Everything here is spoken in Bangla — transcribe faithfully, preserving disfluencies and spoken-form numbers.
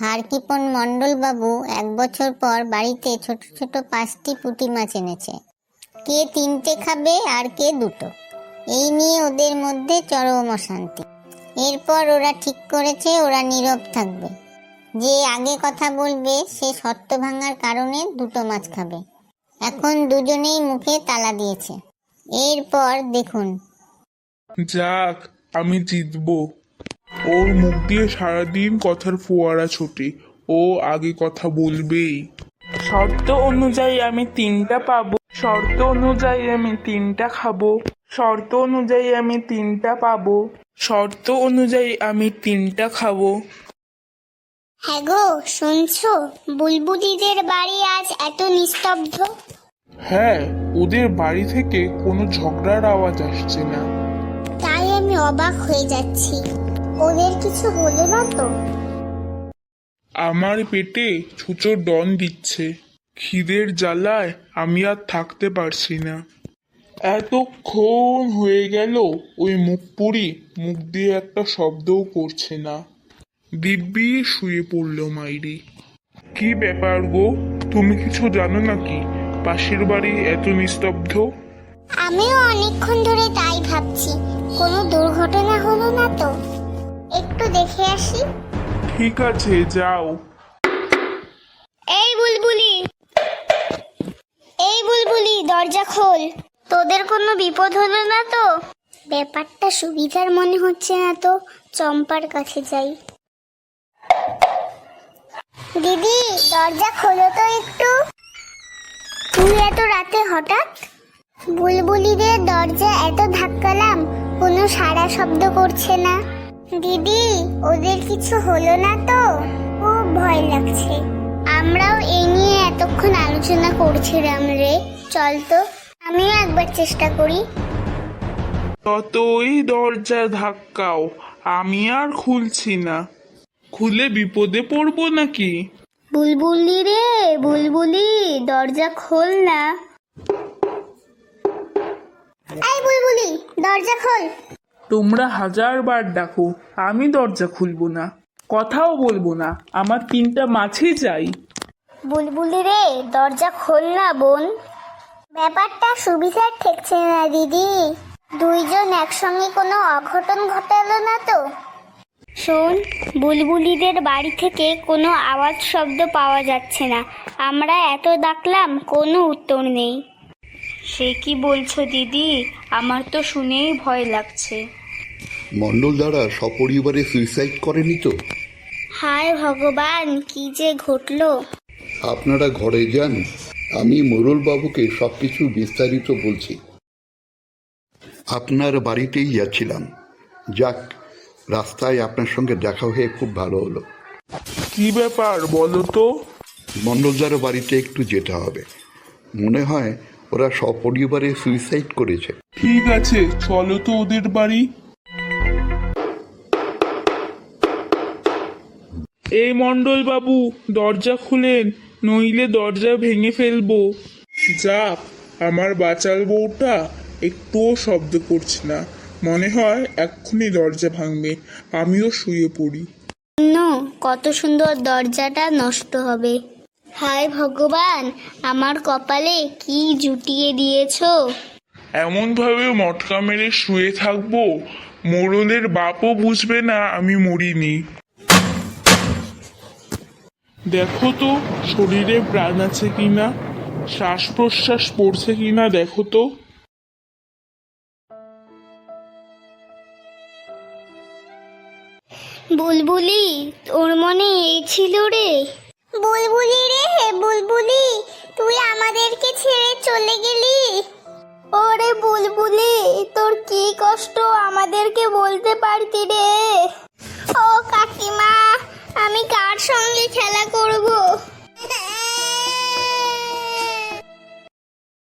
হারকিপন মণ্ডল বাবু এক বছর পর বাড়িতে ছোট ছোট পাঁচটি পুঁটি মাছ এনেছে। কে তিনটে খাবে আর কে দুটো, এই নিয়ে ওদের মধ্যে চরম অশান্তি। এরপর ওরা ঠিক করেছে ওরা নীরব থাকবে, যে আগে কথা বলবে সে শর্ত ভাঙার কারণে দুটো মাছ খাবে। এখন দুজনেই মুখে তালা দিয়েছে। এরপর দেখুন। যাক, আমি জিতবো। ওর মুখ দিয়ে সারাদিন কথার ফোয়ারা ছোটে, ও আগে কথা বলবেই। শর্ত অনুযায়ী আমি তিনটা পাবো, শর্ত অনুযায়ী আমি তিনটা খাবো, শর্ত অনুযায়ী আমি তিনটা পাবো, শর্ত অনুযায়ী আমি তিনটা খাবো। হ্যাঁ গো, শুনছো? বুলবুলিদের বাড়ি আজ এত নিস্তব্ধ। হ্যাঁ, ওদের বাড়ি থেকে কোনো ঝগড়ার আওয়াজ আসছে না। তাই আমি অবাক হয়ে যাচ্ছি। ওদের কিছু হলো না তো? আমার পেটে ছুঁচো ডন দিচ্ছে। খিদের জ্বালায় আমি আর থাকতে পারছি না। এতক্ষণ হয়ে গেল ওই মুখ পুরি মুখ দিয়ে একটা শব্দও করছে না। দিব্যি শুয়ে পড়ল মাইরি। কি ব্যাপার গো, তুমি কিছু জানো নাকি পাশের বাড়ি এত নিস্তব্ধ? আমিও অনেকক্ষণ ধরে তাই ভাবছি, কোনো দুর্ঘটনা হলো না তো? একটু দেখে আসি। ঠিক আছে, যাও। এই বুলবুলি, এই বুলবুলি, দরজা খোল। তোদের কোনো বিপদ হলো না তো? ব্যাপারটা সুবিধার মনে হচ্ছে না তো, চম্পার কাছে যাই। দিদি, দরজা খোলো তো একটু। তুই এত রাতে হঠাৎ? বুলবুলিদের দরজা এত ধাক্কালাম, কোনো সাড়া শব্দ করছে না। দিদি, ওদের কিছু হলো না তো? খুব ভয় লাগছে। আমরাও এই নিয়ে এতক্ষণ আলোচনা করছিলাম রে। চল তো, আমিও একবার চেষ্টা করি। ততই দরজা ধাক্কাও, আমি আর খুলছি না। খুলে বিপদে পড়বো নাকি? বুলবুলি রে, বুলবুলি, দরজা খোল না। এই বুলবুলি, দরজা খোল। তোমরা হাজার বার ডাকো, আমি দরজা খুলবো না, কথাও বলবো না, আমার তিনটা মাছই চাই। বুলবুলি রে, দরজা খোল না বোন। ব্যাপারটা সুবিধার ঠেকছে না দিদি। দুইজন একসঙ্গে কোনো অঘটন ঘটালো না তো? শোন, বুলবুলিদের বাড়ি থেকে কোনো আওয়াজ শব্দ পাওয়া যাচ্ছে না। আমরা এত ডাকলাম, কোনো উত্তর নেই। সে কি বলছো দিদি? আমার তো শুনেই ভয় লাগছে। মণ্ডল দ্বারা সপরিবারে সুইসাইড করেনি তো? হায় ভগবান, কি যে ঘটলো! আপনারা ঘরে যান, আমি মোরল বাবুকে সবকিছু বিস্তারিত বলছি। আপনার বাড়িতেই যাচ্ছিলাম। যাক, রাস্তায় আপনার সঙ্গে দেখা হয়ে খুব ভালো হলো। কি ব্যাপার বলো তো? মণ্ডলদার বাড়িতে একটু যেতে হবে। মনে হয় ওরা সপরিবারে সুইসাইড করেছে। ঠিক আছে, চলো তো ওদের বাড়ি। এই মণ্ডল বাবু, দরজা খুলেন, নইলে দরজা ভেঙে ফেলবো। যাক, আমার বাচাল বউটা একটুও শব্দ করছে না। মনে হয় এক্ষুনি দরজা ভাঙবে। আমিও শুয়ে পড়ি। নো, কত সুন্দর দরজাটা নষ্ট হবে। হায় ভগবান, আমার কপালে কি জুটিয়ে দিয়েছো। এমন ভাবে মটকা মেরে শুয়ে থাকবো, মোড়লের বাপও বুঝবে না আমি মরিনি। দেখো তো শরীরে প্রাণ আছে কিনা, শ্বাস প্রশ্বাস পড়ছে কিনা দেখো তো। বুলবুলি, তোর মনে এই ছিল রে? বুলবুলি রে, বুলবুলি, তুই আমাদেরকে ছেড়ে চলে গেলি। ওরে বুলবুলি, তোর কি কষ্ট আমাদেরকে বলতে পারতি রে। ও কাকিমা, আমি কার সঙ্গে খেলা করব?